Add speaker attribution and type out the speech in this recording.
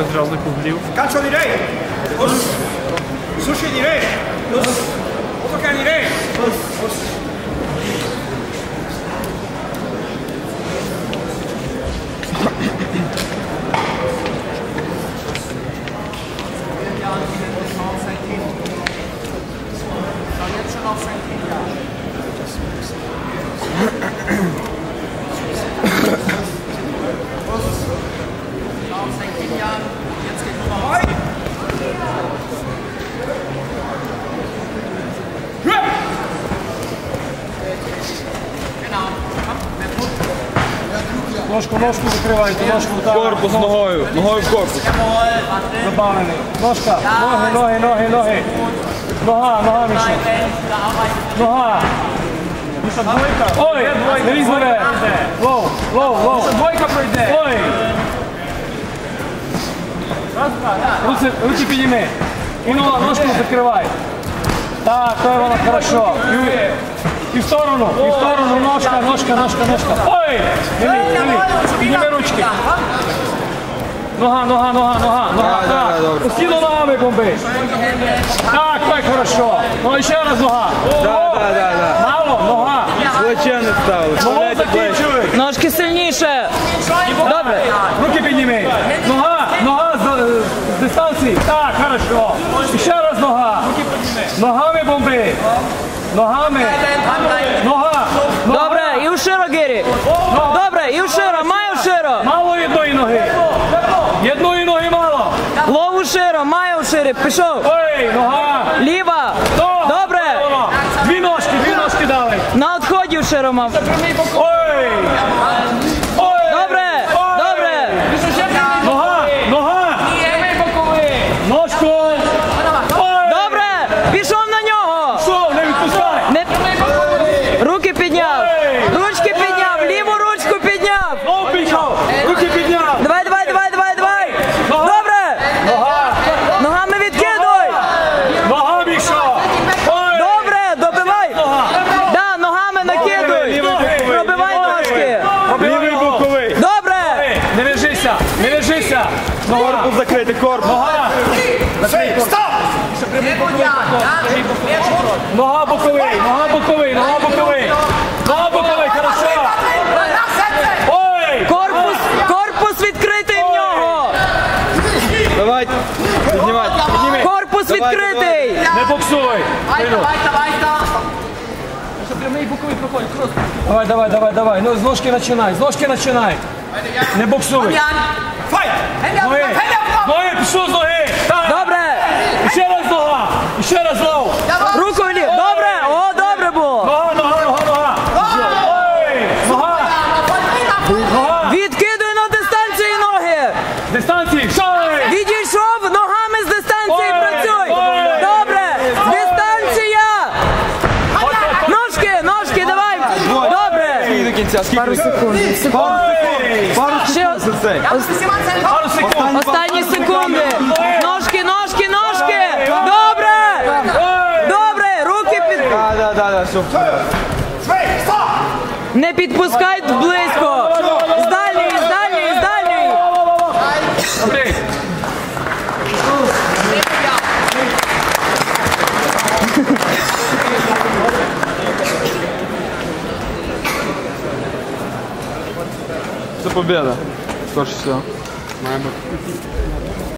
Speaker 1: Bez żadnych ublił.
Speaker 2: Calcio direi! Sushi direi! Autocar direi!
Speaker 1: Ножку закривайте, ножку так.
Speaker 3: Корпус ногою, ногою в корпус.
Speaker 1: Забавлений. Ножка, ноги. Нога, Міша. Нога. Міша, двойка. Ой, не візьме. Лоу. Міша, двойка пройде. Ой. Руки підійми. І ножку закривай. Так, то воно хорошо. І в сторону, ножка. Ой! Підніми ручки. Нога. Так, усі ногами бомби. Так, хорошо. Ну, і ще раз нога. Мало, нога.
Speaker 3: Плече не ставили.
Speaker 1: Ногу закінчуй.
Speaker 4: Ножки сильніше. Добре.
Speaker 1: Руки підніми. Нога з дистанції. Так, хорошо. І ще раз нога. Ногами бомби. Ногами. Нога.
Speaker 4: Добре, і уширо, Гері. Добре, і уширо, май уширо.
Speaker 1: Мало одної ноги. Одної ноги мало.
Speaker 4: Лов уширо, май уширо. Пішов.
Speaker 1: Ой, нога.
Speaker 4: Ліва. Добре.
Speaker 1: Дві ножки дали.
Speaker 4: На відході уширо мав.
Speaker 1: Ой.
Speaker 4: Добре.
Speaker 1: Нога. Ножку.
Speaker 4: Добре. Пішов на нього.
Speaker 1: Що, не відпускай.
Speaker 4: Руки підняв. Ручки підняв. Ліву ручку підняв.
Speaker 1: Знову пішов. Руки підняв.
Speaker 4: Давай. Добре. Ногами відкидуй.
Speaker 1: Нога, Міша.
Speaker 4: Добре, добивай. Да, ногами накидуй. Пробивай ножки.
Speaker 3: Лівий боковий.
Speaker 4: Добре.
Speaker 1: Не лежися.
Speaker 3: Корпус закритий, корпус.
Speaker 1: Нога. Нога боковий, хорошо. Ой!
Speaker 4: Корпус відкритий в нього.
Speaker 3: Давай, підніми.
Speaker 4: Корпус відкритий.
Speaker 1: Не боксуй. Давай. Ну, з ножки починай. Не боксуй. Ноги, пішов з ноги.
Speaker 4: Добре.
Speaker 1: Ще раз лов.
Speaker 4: Руку влів. Добре. О, добре було.
Speaker 1: Нога. Ой, нога.
Speaker 4: Відкидуй на дистанції ноги.
Speaker 1: Дистанції.
Speaker 4: Відійшов, ногами з дистанції працюй. Добре. Дистанція. Ножки, давай. Добре.
Speaker 3: І до кінця.
Speaker 4: Пару секунд.
Speaker 1: Пару секунд.
Speaker 4: Останні секунди. Ножки. Добре. Руки під...
Speaker 3: Да, все.
Speaker 4: Не підпускай близько. З дальньої.
Speaker 1: Добре.
Speaker 3: Це победа. Скорше всього.